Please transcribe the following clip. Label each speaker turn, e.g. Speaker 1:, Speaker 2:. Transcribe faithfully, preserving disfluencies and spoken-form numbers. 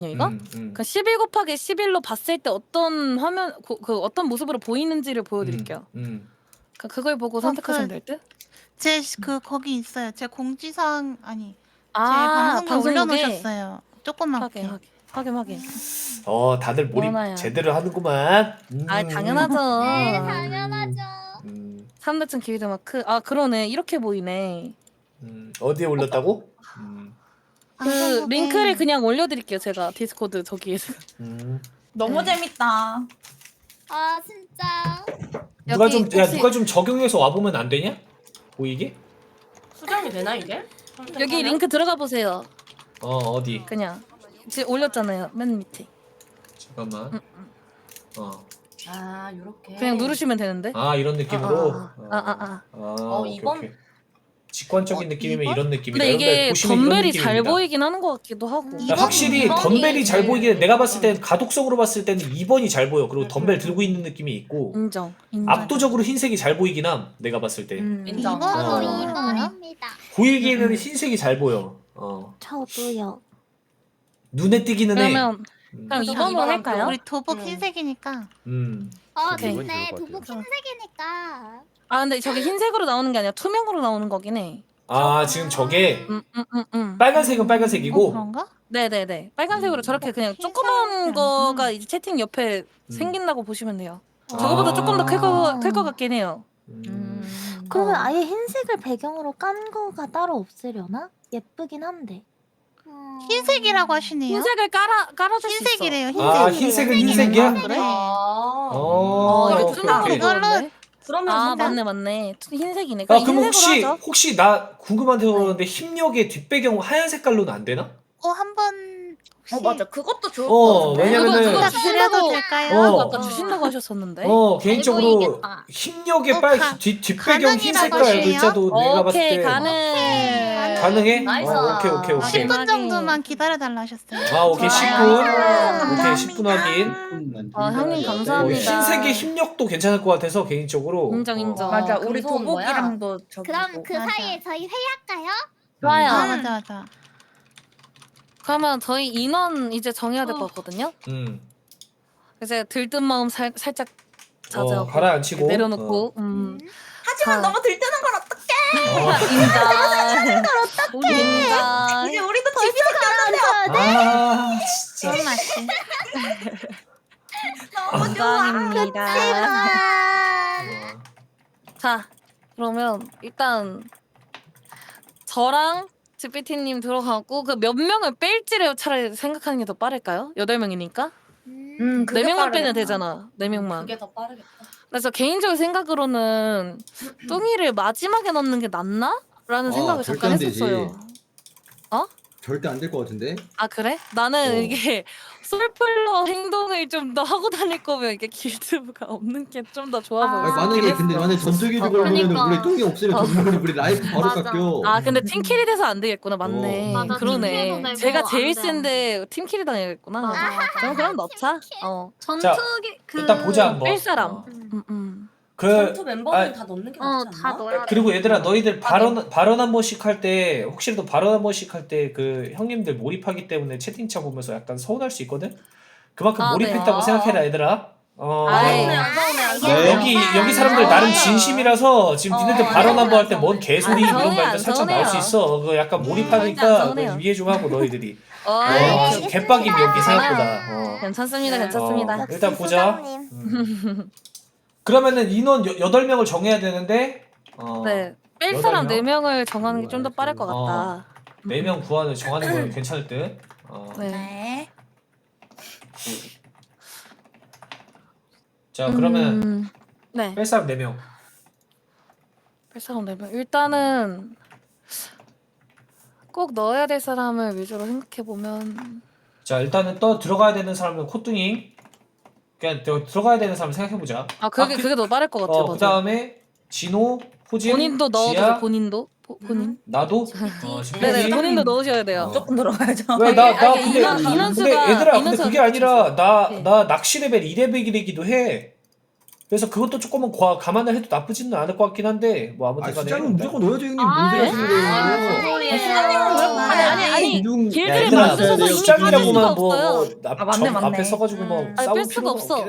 Speaker 1: 이거?
Speaker 2: 음, 음.
Speaker 1: 그 십일 곱하기 십일로 봤을 때 어떤 화면 고, 그 어떤 모습으로 보이는지를 보여드릴게요.
Speaker 2: 음, 음.
Speaker 1: 그 그걸 보고
Speaker 3: 어,
Speaker 1: 선택하시면
Speaker 3: 그-
Speaker 1: 될 듯?
Speaker 3: 제 그 거기 있어요. 제 공지사항 아니
Speaker 1: 아,
Speaker 3: 제 방송에
Speaker 1: 방송국에?
Speaker 3: 올려놓으셨어요. 조그맣게.
Speaker 1: 확인 확인 확인 확인.
Speaker 2: 어, 다들 몰입
Speaker 1: 원아야.
Speaker 2: 제대로 하는구만. 음.
Speaker 1: 아 당연하죠.
Speaker 4: 네, 당연하죠.
Speaker 2: 음,
Speaker 1: 삼대층 기위드 마크. 아 그러네. 이렇게 보이네.
Speaker 2: 음. 어디에 올렸다고? 음,
Speaker 1: 그
Speaker 3: 방송국에-
Speaker 1: 링크를 그냥 올려드릴게요. 제가 디스코드 저기에서.
Speaker 2: 음.
Speaker 4: 너무
Speaker 1: 네.
Speaker 4: 재밌다. 아 진짜.
Speaker 2: 누가
Speaker 1: 여기
Speaker 2: 좀, 야,
Speaker 1: 혹시-
Speaker 2: 누가 좀 적용해서 와 보면 안 되냐? 보이게?
Speaker 5: 수정이 되나 이게?
Speaker 1: 여기 링크 들어가 보세요.
Speaker 2: 어, 어디?
Speaker 1: 그냥 지금 올렸잖아요. 맨 밑에.
Speaker 2: 잠깐만. 어.
Speaker 5: 아 요렇게.
Speaker 1: 그냥 누르시면 되는데.
Speaker 2: 아, 이런 느낌으로.
Speaker 1: 아, 아, 아, 아, 아.
Speaker 2: 아,
Speaker 5: 어,
Speaker 2: 오케이,
Speaker 5: 이번-
Speaker 2: 오케이. 직관적인
Speaker 3: 어,
Speaker 2: 느낌이면
Speaker 3: 이번?
Speaker 2: 이런 느낌이다.
Speaker 1: 근데 이게
Speaker 2: 여러분들 보시면 이런
Speaker 1: 덤벨이 잘
Speaker 2: 느낌입니다.
Speaker 1: 보이긴 하는 것 같기도 하고.
Speaker 3: 음.
Speaker 2: 야,
Speaker 3: 이번-
Speaker 2: 확실히
Speaker 3: 이번이
Speaker 2: 덤벨이 잘
Speaker 1: 제일-
Speaker 2: 보이긴 해. 내가 봤을 땐 가독성으로 봤을 때는 이 번이 잘 보여. 그리고 덤벨 들고 있는 느낌이 있고
Speaker 1: 인정. 인정.
Speaker 2: 압도적으로 흰색이 잘 보이긴 함. 내가 봤을 때
Speaker 1: 음.
Speaker 5: 인정.
Speaker 3: 이번?
Speaker 2: 어.
Speaker 4: 저도 이 번입니다.
Speaker 2: 보이기에는
Speaker 1: 음.
Speaker 2: 흰색이 잘 보여. 어.
Speaker 6: 저도요.
Speaker 2: 눈에 띄기는 해.
Speaker 1: 그러면
Speaker 2: 음.
Speaker 1: 그럼
Speaker 5: 저도
Speaker 1: 이번으로
Speaker 5: 이번
Speaker 1: 할까요?
Speaker 3: 우리 도복
Speaker 5: 음.
Speaker 3: 흰색이니까.
Speaker 2: 음.
Speaker 4: 어,
Speaker 1: 오케이.
Speaker 4: 좋네.
Speaker 7: 좋을 것
Speaker 4: 도복
Speaker 7: 같아요.
Speaker 4: 흰색이니까.
Speaker 1: 아 근데 저게 흰색으로 나오는 게 아니라 투명으로 나오는 거긴 해.
Speaker 2: 아, 지금 저게
Speaker 1: 음, 음, 음, 음.
Speaker 2: 빨간색은
Speaker 3: 어,
Speaker 2: 빨간색이고
Speaker 3: 그런가?
Speaker 1: 네네네. 빨간색으로
Speaker 2: 음.
Speaker 1: 저렇게 그냥
Speaker 3: 흰색.
Speaker 1: 조그만
Speaker 3: 음.
Speaker 1: 거가 이제 채팅 옆에
Speaker 2: 음.
Speaker 1: 생긴다고 보시면 돼요.
Speaker 2: 아.
Speaker 1: 저거보다 조금 더 클 거 클 것 같긴 해요.
Speaker 2: 음.
Speaker 6: 그러면
Speaker 1: 어.
Speaker 6: 아예 흰색을 배경으로 깐 거가 따로 없으려나? 예쁘긴 한데.
Speaker 4: 음.
Speaker 3: 흰색이라고 하시네요.
Speaker 1: 흰색을 깔아 깔아줄 수 있어.
Speaker 3: 흰색이래요. 흰색.
Speaker 2: 아, 흰색은 흰색이야?
Speaker 1: 그래?
Speaker 5: 아.
Speaker 2: 어.
Speaker 1: 어, 이거
Speaker 2: 오케이,
Speaker 1: 투명으로
Speaker 2: 오케이.
Speaker 3: 이걸로-
Speaker 1: 보였네.
Speaker 5: 그러면
Speaker 1: 아
Speaker 5: 진짜
Speaker 1: 맞네 맞네. 투- 흰색이네.
Speaker 2: 아,
Speaker 1: 그럼
Speaker 2: 그럼
Speaker 1: 흰색으로
Speaker 2: 혹시
Speaker 1: 하죠.
Speaker 2: 혹시 나 궁금한 데 그러는데 힘력의 뒷배경 하얀 색깔로는 안 되나?
Speaker 3: 어, 한번 혹시
Speaker 5: 어 맞아 그것도 좋을
Speaker 2: 어,
Speaker 5: 것 같은데.
Speaker 2: 왜냐면은-
Speaker 1: 그거
Speaker 3: 부탁드려도
Speaker 1: 주신다고
Speaker 3: 될까요?
Speaker 2: 어.
Speaker 1: 아까 주신다고 하셨었는데.
Speaker 2: 어, 개인적으로
Speaker 4: 보이겠다.
Speaker 2: 힘력의
Speaker 3: 어,
Speaker 2: 빨
Speaker 3: 가-
Speaker 2: 뒷 뒷배경 흰
Speaker 3: 가능이라고
Speaker 2: 색깔
Speaker 3: 하시네요?
Speaker 2: 글자도 내가 봤을
Speaker 1: 오케이
Speaker 2: 때
Speaker 1: 가능.
Speaker 2: 가능해?
Speaker 5: 나이스.
Speaker 2: 어, 오케이 오케이 오케이.
Speaker 3: 십 분 정도만 기다려달라 하셨어요.
Speaker 2: 아, 오케이 십 분. 오케이 십 분 확인.
Speaker 1: 아 형님
Speaker 2: 어,
Speaker 1: 감사합니다.
Speaker 2: 흰색의 힘력도 괜찮을 것 같아서 개인적으로.
Speaker 1: 인정, 인정.
Speaker 2: 어.
Speaker 5: 맞아
Speaker 4: 그
Speaker 5: 우리
Speaker 4: 무서운
Speaker 5: 도복이랑도 저기.
Speaker 4: 그럼 그
Speaker 3: 맞아.
Speaker 4: 사이에 저희 회의할까요?
Speaker 1: 좋아요.
Speaker 3: 아, 맞아 맞아.
Speaker 1: 그러면 저희 인원 이제 정해야 될 것 같거든요.
Speaker 2: 음.
Speaker 1: 이제 들뜬 마음 살, 살짝 자제하고
Speaker 2: 어, 가라앉히고
Speaker 1: 내려놓고. 음.
Speaker 5: 하지만
Speaker 1: 자.
Speaker 5: 너무 들뜨는 걸 어떡해.
Speaker 2: 어.
Speaker 1: 인정. 인정.
Speaker 5: 이제 우리도 집이 가라앉아.
Speaker 2: 아, 진짜.
Speaker 3: 그런 맛이.
Speaker 5: 너무 좋아.
Speaker 1: 인정입니다.
Speaker 2: 어.
Speaker 1: 자, 그러면 일단 저랑 지피티님 들어가고 그 몇 명을 뺄지를 차라리 생각하는 게 더 빠를까요? 여덟 명이니까
Speaker 5: 음,
Speaker 1: 네 명만 빼면 되잖아. 네 명만.
Speaker 5: 그게 더 빠르겠다.
Speaker 1: 그래서 개인적인 생각으로는 뚱이를 마지막에 넣는 게 낫나? 라는
Speaker 7: 아,
Speaker 1: 생각을
Speaker 7: 절대
Speaker 1: 잠깐
Speaker 7: 안 되지.
Speaker 1: 했었어요.
Speaker 7: 절대 안 될 것 같은데?
Speaker 1: 아 그래? 나는
Speaker 7: 어.
Speaker 1: 이게 솔플러 행동을 좀 더 하고 다닐 거면 이게 길드가 없는 게 좀 더 좋아
Speaker 4: 아,
Speaker 7: 아니,
Speaker 1: 보여.
Speaker 7: 만약에 근데 만약 전투기도
Speaker 1: 어,
Speaker 7: 걸리면
Speaker 4: 그러니까.
Speaker 7: 우리 똥이 없으면
Speaker 1: 어.
Speaker 7: 전문이 우리 라이프 바로
Speaker 4: 맞아.
Speaker 7: 깎여.
Speaker 1: 아 근데 팀킬이 돼서 안 되겠구나. 맞네.
Speaker 7: 어.
Speaker 4: 맞아,
Speaker 1: 그러네.
Speaker 4: 팀킬도 되고
Speaker 1: 제가
Speaker 4: 안
Speaker 1: 제일
Speaker 4: 돼, 안
Speaker 1: 센데 팀킬이 당해야겠구나.
Speaker 4: 맞아, 맞아.
Speaker 1: 그럼 그럼 넣자. 어.
Speaker 4: 전투기 그
Speaker 2: 일단 보자 한번.
Speaker 1: 뺄 사람.
Speaker 2: 어.
Speaker 1: 음, 음.
Speaker 2: 그
Speaker 5: 전투 멤버는
Speaker 2: 아,
Speaker 5: 다 넣는 게
Speaker 4: 어,
Speaker 5: 낫지
Speaker 4: 다
Speaker 5: 않나?
Speaker 4: 넣어야 돼.
Speaker 2: 그리고 얘들아 너희들 발언 발언 한 번씩 할 때 혹시라도 발언 한 번씩 할 때 그 형님들 몰입하기 때문에 채팅창 보면서 약간 서운할 수 있거든. 그만큼
Speaker 1: 아,
Speaker 2: 몰입했다고
Speaker 5: 네.
Speaker 2: 생각해라 얘들아. 어.
Speaker 1: 아이.
Speaker 5: 안 서운해 안 서운해 안
Speaker 7: 네.
Speaker 5: 서운해.
Speaker 2: 여기 여기 사람들 나름
Speaker 1: 아.
Speaker 2: 진심이라서 지금
Speaker 5: 어,
Speaker 2: 니네들
Speaker 5: 안
Speaker 2: 발언 한 번 할 때
Speaker 5: 서운해,
Speaker 2: 뭔
Speaker 5: 안
Speaker 2: 개소리
Speaker 1: 서운해.
Speaker 2: 이런
Speaker 1: 안
Speaker 2: 말도 살짝 나올 수
Speaker 1: 서운해요.
Speaker 2: 있어. 그 약간
Speaker 1: 안
Speaker 2: 몰입하니까
Speaker 1: 서운해요.
Speaker 2: 이해 좀 하고 너희들이.
Speaker 1: 어,
Speaker 2: 어,
Speaker 1: 네.
Speaker 2: 지금 개빡임 여기 생각보다. 어.
Speaker 1: 괜찮습니다.
Speaker 5: 네.
Speaker 1: 괜찮습니다.
Speaker 2: 어. 일단 보자.
Speaker 6: 수장님.
Speaker 2: 음. 그러면은 인원 여, 여덟 명을 정해야 되는데 어,
Speaker 1: 네. 뺄
Speaker 2: 여덟
Speaker 1: 사람
Speaker 2: 명?
Speaker 1: 네 명을 정하는 게 좀 더 빠를 것
Speaker 2: 어.
Speaker 1: 같다.
Speaker 2: 네 명 구하는 정하는 건 괜찮을 듯. 어.
Speaker 1: 네.
Speaker 3: 네.
Speaker 2: 자 그러면
Speaker 1: 음, 네.
Speaker 2: 뺄 사람 네 명.
Speaker 1: 뺄 사람 네 명. 일단은 꼭 넣어야 될 사람을 위주로 생각해 보면
Speaker 2: 자 일단은 또 들어가야 되는 사람은 코뚱이. 그냥 더 들어가야 되는 사람 생각해 보자.
Speaker 1: 아 그게
Speaker 2: 아, 그-
Speaker 1: 그게 더 빠를 것 같아요.
Speaker 2: 어, 그
Speaker 1: 맞아.
Speaker 2: 다음에 진호, 호진,
Speaker 1: 본인도 넣어도
Speaker 2: 지아,
Speaker 1: 본인도 보, 본인.
Speaker 2: 나도. 어,
Speaker 1: 네네
Speaker 2: 지피티.
Speaker 1: 본인도 넣으셔야 돼요.
Speaker 2: 어.
Speaker 5: 조금 들어가야죠.
Speaker 2: 왜 나 나
Speaker 1: 아, 이게
Speaker 2: 근데
Speaker 1: 인원-
Speaker 2: 근데
Speaker 1: 인원수가-
Speaker 2: 얘들아 근데
Speaker 1: 인원수가
Speaker 2: 그게 아니라 나
Speaker 1: 네.
Speaker 2: 나 낚시 레벨 이 레벨이기도 해. 그래서 그것도 조금은 과, 감안을 해도 나쁘지는 않을 것 같긴 한데 뭐
Speaker 7: 아
Speaker 2: 아무튼 간에
Speaker 7: 수장은 무조건 넣어야죠 형님.
Speaker 5: 아,
Speaker 7: 뭔 소리 하시는
Speaker 5: 네? 아, 무슨
Speaker 7: 거예요?
Speaker 5: 소리예요?
Speaker 1: 아니 아니 아니
Speaker 7: 이중-
Speaker 1: 길들을
Speaker 2: 얘들아,
Speaker 1: 만드셔서 이미 빠질 수가
Speaker 2: 수장이라고만 뭐,
Speaker 1: 없어요.
Speaker 2: 뭐 앞,
Speaker 5: 아, 맞네,
Speaker 2: 점,
Speaker 5: 맞네.
Speaker 2: 앞에 서가지고 뭐
Speaker 5: 음.
Speaker 1: 아니,
Speaker 2: 싸울
Speaker 1: 뺄 수가
Speaker 2: 필요가
Speaker 1: 없어.
Speaker 2: 없긴